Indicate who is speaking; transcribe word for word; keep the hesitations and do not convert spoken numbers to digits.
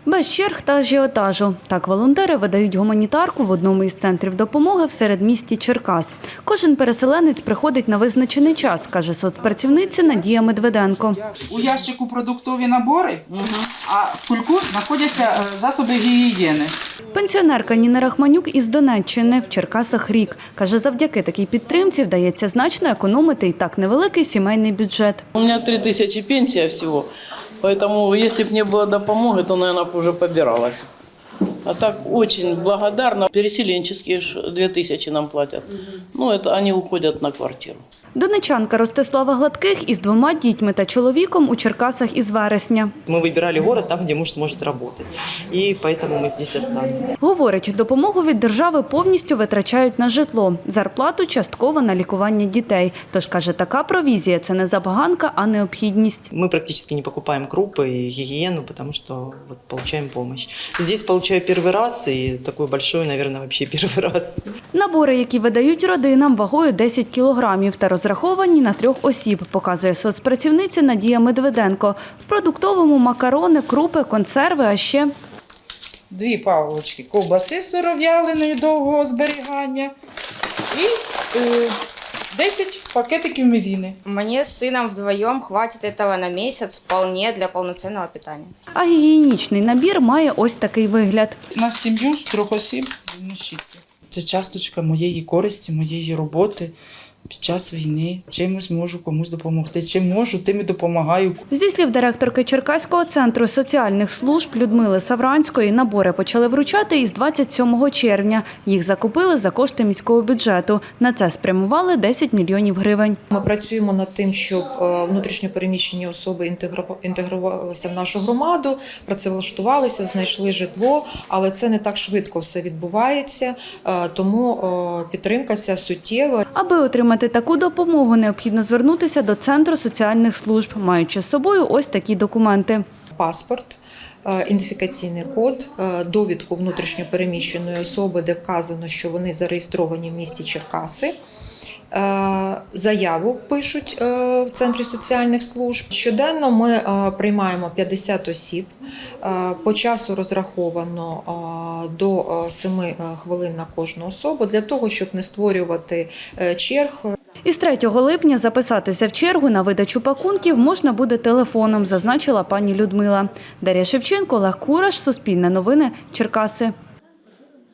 Speaker 1: Без черг та ажіотажу. Так волонтери видають гуманітарку в одному із центрів допомоги в середмісті Черкас. Кожен переселенець приходить на визначений час, каже соцпрацівниця Надія Медведенко.
Speaker 2: У ящику продуктові набори, а в кульку знаходяться засоби гігієни.
Speaker 1: Пенсіонерка Ніна Рахманюк із Донеччини в Черкасах рік. Каже, завдяки такій підтримці вдається значно економити і так невеликий сімейний бюджет.
Speaker 3: У мене три тисячі пенсія всього. Поэтому, если бы не было допомоги, то, наверное, уже побиралась. А так очень благодарна. Переселенческие две тысячи нам платят. Ну, это они уходят на квартиру.
Speaker 1: Донечанка Ростислава Гладких із двома дітьми та чоловіком у Черкасах із вересня.
Speaker 4: Ми вибирали город там, де муж зможе працювати. І тому ми тут залишилися.
Speaker 1: Говорить, допомогу від держави повністю витрачають на житло. Зарплату частково на лікування дітей. Тож, каже, така провізія – це не забаганка, а необхідність.
Speaker 4: Ми практично не купуємо крупи і гігієну, тому що вот, отримуємо допомогу. Здесь получаю перший раз і такий великий, мабуть, взагалі перший раз.
Speaker 1: Набори, які видають родинам, вагою десять кілограмів та розраховані на трьох осіб, показує соцпрацівниця Надія Медведенко. В продуктовому макарони, крупи, консерви, а ще
Speaker 2: Дві палочки ковбаси сиров'яленої довгого зберігання і е, десять пакетиків мівіни.
Speaker 5: Мне с сыном вдвоем хватит этого на месяц вполне для полноценного питания.
Speaker 1: А гігієнічний набір має ось такий вигляд.
Speaker 2: На сім'ю з трьох осіб зубні щітки. Це часточка моєї користі, моєї роботи під час війни. Чимось можу комусь допомогти, чим можу, тим і допомагаю.
Speaker 1: Зі слів директорки Черкаського центру соціальних служб Людмили Савранської, набори почали вручати із двадцять сьомого червня. Їх закупили за кошти міського бюджету. На це спрямували десять мільйонів гривень.
Speaker 6: Ми працюємо над тим, щоб внутрішньо переміщені особи інтегрувалися в нашу громаду, працевлаштувалися, знайшли житло, але це не так швидко все відбувається, тому підтримка ця суттєва.
Speaker 1: Аби отримати таку допомогу, необхідно звернутися до Центру соціальних служб, маючи з собою ось такі документи.
Speaker 6: Паспорт, ідентифікаційний код, довідку внутрішньо переміщеної особи, де вказано, що вони зареєстровані в місті Черкаси. Заяву пишуть в Центрі соціальних служб. Щоденно ми приймаємо п'ятдесят осіб. По часу розраховано до семи хвилин на кожну особу, для того, щоб не створювати черг.
Speaker 1: Із третього липня записатися в чергу на видачу пакунків можна буде телефоном, зазначила пані Людмила. Дар'я Шевченко, Олег Кураш, Суспільне новини, Черкаси.